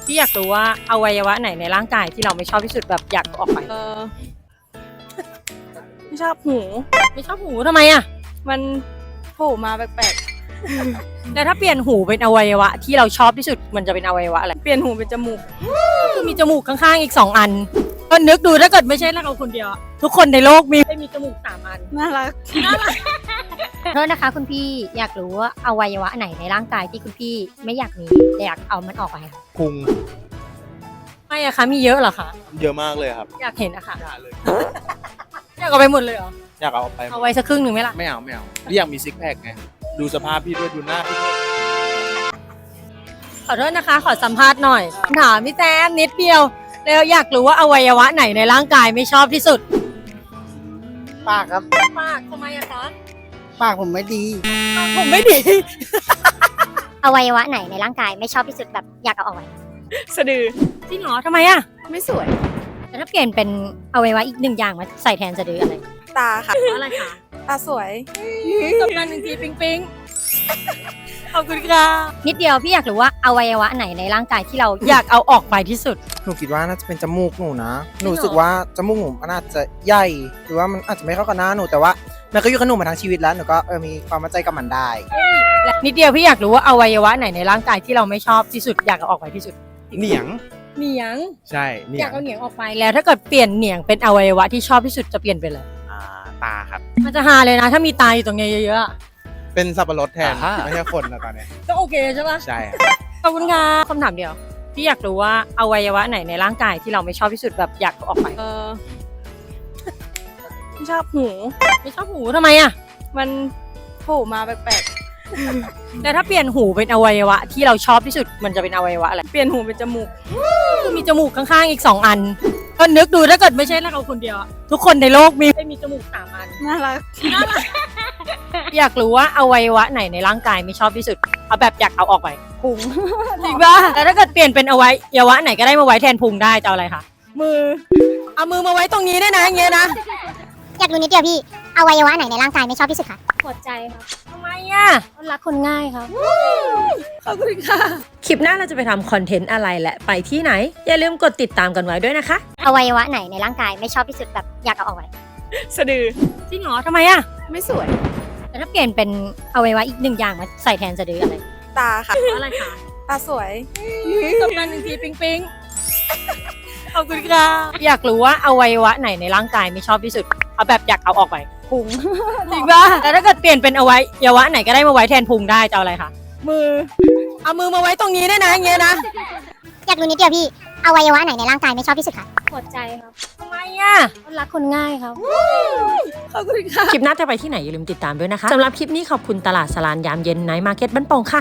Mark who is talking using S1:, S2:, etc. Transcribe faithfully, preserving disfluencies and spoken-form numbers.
S1: พี่อยากรู้ว่าอวัยวะไหนในร่างกายที่เราไม่ชอบที่สุดแบบอยากเอาออกไป
S2: เออไม่ชอบหู
S1: ไม่ชอบหูทำไมอ่ะ
S2: มันโผล่มาแปลก
S1: แล้วถ้าเปลี่ยนหูเป็นอวัยวะที่เราชอบที่สุดมันจะเป็นอวัยวะอะไร
S2: ๆเปลี่ยนหูเป็นจมูก
S1: ก็คือมีจมูกข้างๆอีกสองอันก็นึกดูถ้าเกิดไม่ใช่เราคนเดียวอะทุกคนในโลกมีไม่มีจมูกสามอัน
S2: น่ารัก
S3: โทษนะคะคุณพี่อยากรู้ว่าอวัยวะไหนในร่างกายที่คุณพี่ไม่อยากมีแต่อยากเอามันออกไปค่ะ
S4: พุง
S1: ไม่อะคะมีเยอะเหรอคะ
S4: เยอะมากเลยครับ
S1: อยากเห็นอะค่ะ
S4: อย่าเลย
S1: อยากเอาไปหมดเลยเหรอ
S4: อยากเอาออกไป
S1: เอาไว้สักครึ่งหนึ่งไหมล่ะ
S4: ไม่เอาไม่เอาพี่อยากมีซิกแพคไงดูสภาพพี่ด้วยดูหน้าพี่ด้วย
S1: ขอโทษนะคะ ขอสัมภาษณ์หน่อยถามพี่แซมนิดเดียวแล้วอยากรู้ว่าอวัยวะไหนในร่างกายไม่ชอบที่สุด
S5: ปากครับ
S1: ปากทำไมอะคะ
S5: ปากผมไม่ดี
S1: ปากผมไม่ดี
S3: อวัยวะไหนในร่างกายไม่ชอบที่สุดแบบอยากเอาออกไป
S2: สะดือ
S1: จริงเหรอทำไมอะ
S2: ไม่สวย
S3: แต่ถ้าเปลี่ยนเป็นอวัยวะอีกหนึ่งอย่างมาใส่แทนสะดืออะไร
S2: ตาค่ะ
S1: อะไรคะ
S2: ตาสวย
S1: ตบกันหนึ่งทีปิ๊งปิ๊งขอบคุณค่ะ
S3: นิดเดียวพี่อยากรู้ว่าอวัยวะไหนในร่างกายที่เรา
S1: อยากเอาออกไปที่สุด
S5: หนูคิดว่าน่าจะเป็นจมูกหนูนะ หนู
S1: จริงเหรอ
S5: รู้สึกว่าจมูกหนูมันอาจจะใหญ่ หรือว่ามันอาจจะไม่เข้ากับหน้าหนู แต่ว่ามันก็อยู่กับหนูมาทั้งชีวิตแล้ว หนูก็เออมีความมั่นใจกับมันได้
S1: และนิดเดียวพี่อยากรู้ว่าอวัยวะไหนในร่างกายที่เราไม่ชอบที่สุดอยากเอาออกไปที่สุด
S4: เหนียง
S1: เหนียง
S4: ใช่เหนี
S1: อย ยาก
S4: ง
S1: เอาเหนียงออกไปแล้วถ้าเกิดเปลี่ยนเหนียงเป็นอวัยวะที่ชอบที่สุดจะเปลี่ยนเป็นอะไร
S4: อ่าตาครับ
S1: มันจะฮาเลยนะ ถ้ามีตาอยู่ตรงเนี้ยเยอะๆอะ
S4: เป็นสับปะรดแทน
S5: อ่าฮะ
S4: ไม่ใช่คนนะตอนเนี้ย
S1: ก็โอเคใช่ปะ
S4: ใช่ครับ
S1: ขอบคุณค่ะคำถามเดียวพี่อยากรู้ว่าอวัยวะไหนในร่างกายที่เราไม่ชอบที่สุดแบบอยากเอาออกไป
S2: เออไม่ชอบหู
S1: ไม่ชอบหูทำไมอะ
S2: มันโผล่มาแปลก
S1: แล้วถ้าเปลี่ยนหูเป็นอวัยวะที่เราชอบที่สุดมันจะเป็นอวัยวะอะไร
S2: ๆเปลี่ยนหูเป็นจมูก
S1: ก็คือมีจมูกข้างๆอีกสองอันก็นึกดูถ้าเกิดไม่ใช่เราคนเดียวอะทุกคนในโลกมีไม่มีจมูกสามอัน
S2: น่ารัก
S1: อยากรู้ว่าอวัยวะไหนในร่างกายไม่ชอบที่สุดเอาแบบอยากเอาออกไป
S2: พุง
S1: จริงปะแล้วถ้าเกิดเปลี่ยนเป็นอวัยวะไหนก็ได้มาไว้แทนพุงได้จะเอาอะไรคะ
S2: มือ
S1: เอามือมาไว้ตรงนี้ได้นะอย่างเงี้ยนะ
S3: อยากรู้นิดเดียวพี่อวัยวะไหนในร่างกายไม่ชอบที่สุดคะหัวใจครับ
S1: ทำไมอ่ะ
S3: รักคนง่ายครับ
S1: ขอบคุณค่ะ คลิปหน้าเราจะไปทำคอนเทนต์อะไรและไปที่ไหน อย่าลืมกดติดตามกันไว้ด้วยนะคะ
S3: อวัยวะไหนในร่างกายไม่ชอบที่สุดแบบอยากเอาออกไป
S2: สะดือ
S1: จริงเหรอทำไมอ่ะ
S2: ไม่สวย
S3: แต่ถ้าเปลี่ยนเป็นอวัยวะอีกหนึ่งอย่างมาใส่แทนสะดืออะไร
S2: ตาค่ะ
S1: อะไรคะ
S2: ตาสวย
S1: ตบกันหนึ่งทีปิ๊งปิ๊งขอบคุณค่ะอยากรู้ว่าอวัยวะไหนในร่างกายไม่ชอบที่สุดเอาแบบอยากเอาออกไป
S2: พุง
S1: จริงปะแล้วถ้าเกิดเปลี่ยนเป็นอวัยวะไหนก็ได้มาไว้แทนพุงได้จะเอาอะไรคะ
S2: มือ
S1: เอามือมาไว้ตรงนี้ได้นะอย่างเงี้ยนะ
S3: อยากรู้นิดเดียวพี่อวัยวะไหนในร่างกายไม่ชอบที่สุดคะหัวใจครับ
S1: ทำไมอ่ะ
S3: รักคนง่ายครับ
S1: ขอบคุณค่ะ คลิปหน้าจะไปที่ไหนอย่าลืมติดตามด้วยนะคะ สำหรับคลิปนี้ขอบคุณตลาดสลานยามเย็นไนท์มาร์เก็ตบ้านโป่งค่ะ